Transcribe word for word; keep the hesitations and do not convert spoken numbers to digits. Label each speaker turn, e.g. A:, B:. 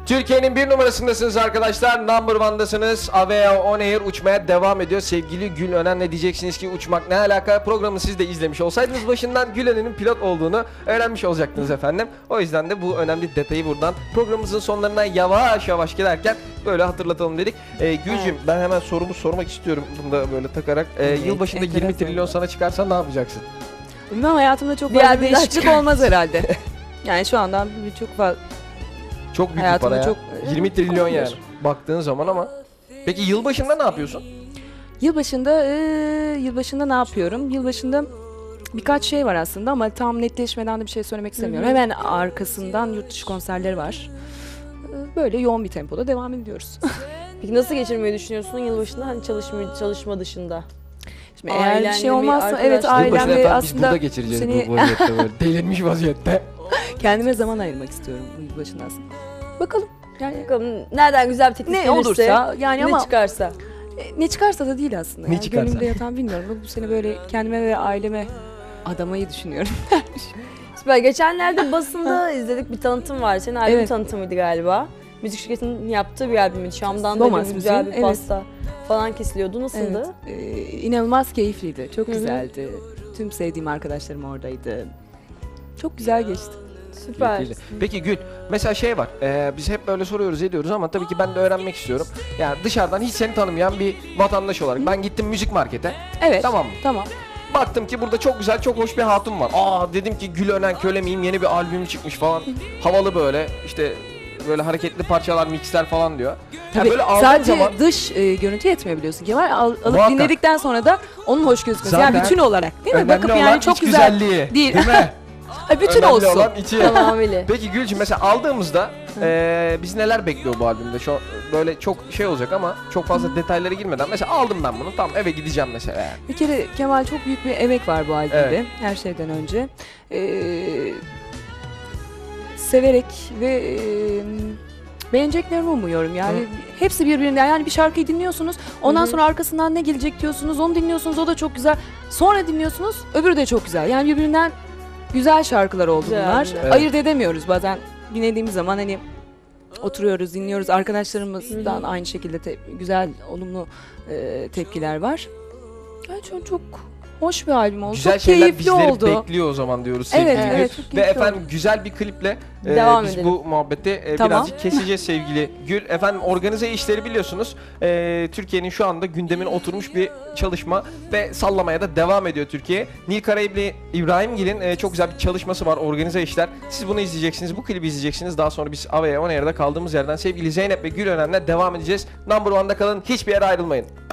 A: Türkiye'nin bir numarasındasınız arkadaşlar. Number one'dasınız. Avea On Air uçmaya devam ediyor. Sevgili Gül Önen, ne diyeceksiniz ki uçmak ne alaka? Programı siz de izlemiş olsaydınız başından Gül Önen'in pilot olduğunu öğrenmiş olacaktınız efendim. O yüzden de bu önemli detayı buradan programımızın sonlarına yavaş yavaş giderken böyle hatırlatalım dedik. Ee, Gülcüm, evet, ben hemen sorumu sormak istiyorum bunu da böyle takarak. Ee, evet, yılbaşında yirmi trilyon sana çıkarsa ne yapacaksın?
B: Bilmem, hayatımda çok fazla değişiklik olmaz herhalde. Yani şu andan çok fazla.
A: Çok büyük bir para ya. Çok, yirmi trilyon yani baktığın zaman ama. Peki yılbaşında ne yapıyorsun?
B: Yılbaşında, e, yılbaşında ne yapıyorum? Yılbaşında birkaç şey var aslında ama tam netleşmeden de bir şey söylemek istemiyorum. Hı hı. Hemen arkasından yurt dışı konserleri var. Böyle yoğun bir tempoda devam ediyoruz.
C: Peki nasıl geçirmeyi düşünüyorsun yılbaşında, hani çalışma, çalışma dışında?
B: Şimdi eğer bir şey olmazsa, evet, ailemle aslında...
A: Biz burada geçireceğiz seni... bu vaziyette böyle. Delirmiş vaziyette.
B: Kendime zaman ayırmak istiyorum bu yılbaşında aslında. Bakalım. Yani
C: bakalım nereden güzel bir teklif
B: ne
C: gelirse,
B: olursa, yani
C: ne
B: ama
C: çıkarsa.
B: Ne çıkarsa da değil aslında.
A: Ne
B: yani.
A: çıkarsa?
B: Gönlümde yatan bilmiyorum. Bu sene böyle kendime ve aileme adamayı düşünüyorum.
C: Süper. Geçenlerde basında izledik, bir tanıtım var. Senin albüm
B: Evet.
C: tanıtımıydı galiba. Müzik şirketinin yaptığı bir albümüydü. Şam'dan da
B: Domas
C: böyle güzel bir
B: müziğin,
C: pasta falan kesiliyordu. Nasıldı?
B: Evet. Ee, inanılmaz keyifliydi. Çok
C: Hı-hı.
B: güzeldi. Tüm sevdiğim arkadaşlarım oradaydı. Çok güzel geçti.
C: Süper.
A: Keyifliydi. Peki Gül, mesela şey var, e, biz hep böyle soruyoruz ediyoruz ama tabii ki ben de öğrenmek istiyorum. Yani dışarıdan hiç seni tanımayan bir vatandaş olarak Hı. ben gittim müzik markete.
B: Evet.
A: Tamam mı?
B: Tamam.
A: Baktım ki burada çok güzel, çok hoş bir hatun var. Aa, dedim ki Gül Önen köle miyim, yeni bir albüm çıkmış falan. Havalı böyle, işte böyle hareketli parçalar, mixler falan diyor.
B: Tabii
A: yani böyle
B: sadece
A: zaman...
B: dış e, görüntü yetmiyor biliyorsun Kemal. Al, alıp
A: Muhakkak.
B: dinledikten sonra da onun hoş gözükmesi.
A: Zaten
B: yani bütün olarak değil mi?
A: önemli
B: Bakıp
A: olan
B: yani çok
A: iç
B: güzel
A: güzelliği,
B: değil.
A: değil mi?
B: Ay, bütün
A: önemli
B: olsun.
A: olan içi.
C: Tamamıyla.
A: Peki Gülcüm, mesela aldığımızda e, biz neler bekliyor bu albümde? Şu böyle çok şey olacak ama çok fazla detaylara girmeden mesela aldım ben bunu, tamam, eve gideceğim mesela yani.
B: Bir kere Kemal, çok büyük bir emek var bu albümde,
A: Evet.
B: her şeyden önce. Ee, severek ve e, beğeneceklerimi umuyorum. Yani
A: Hı.
B: hepsi birbirinden. Yani bir şarkıyı dinliyorsunuz, ondan
C: Hı hı.
B: sonra arkasından ne gelecek diyorsunuz, onu dinliyorsunuz, o da çok güzel. Sonra dinliyorsunuz, öbürü de çok güzel. Yani birbirinden güzel şarkılar oldu
C: Güzel,
B: bunlar.
C: evet.
B: Ayırt edemiyoruz bazen. Dinlediğimiz zaman hani oturuyoruz, dinliyoruz. Arkadaşlarımızdan
C: Hı hı.
B: aynı şekilde te- güzel, olumlu e, tepkiler var. Yani çok, çok hoş bir albüm oldu.
A: Güzel
B: çok
A: şeyler
B: keyifli
A: bizleri
B: oldu.
A: bekliyor o zaman diyoruz sevgili
B: Evet,
A: Gül.
B: evet, çok
A: Ve
B: keyifli
A: efendim
B: oldu.
A: güzel bir kliple e,
C: Devam
A: biz
C: edelim.
A: bu muhabbeti e,
B: Tamam.
A: birazcık keseceğiz sevgili Gül. Efendim organize işleri biliyorsunuz. E, Türkiye'nin şu anda gündemine oturmuş bir çalışma ve sallamaya da devam ediyor Türkiye. Nil Karayipli İbrahimgil'in e, çok güzel bir çalışması var, organize işler. Siz bunu izleyeceksiniz, bu klibi izleyeceksiniz. Daha sonra biz Avea On Air'da kaldığımız yerden sevgili Zeynep ve Gül Önen'le devam edeceğiz. Number One'da kalın, hiçbir yere ayrılmayın.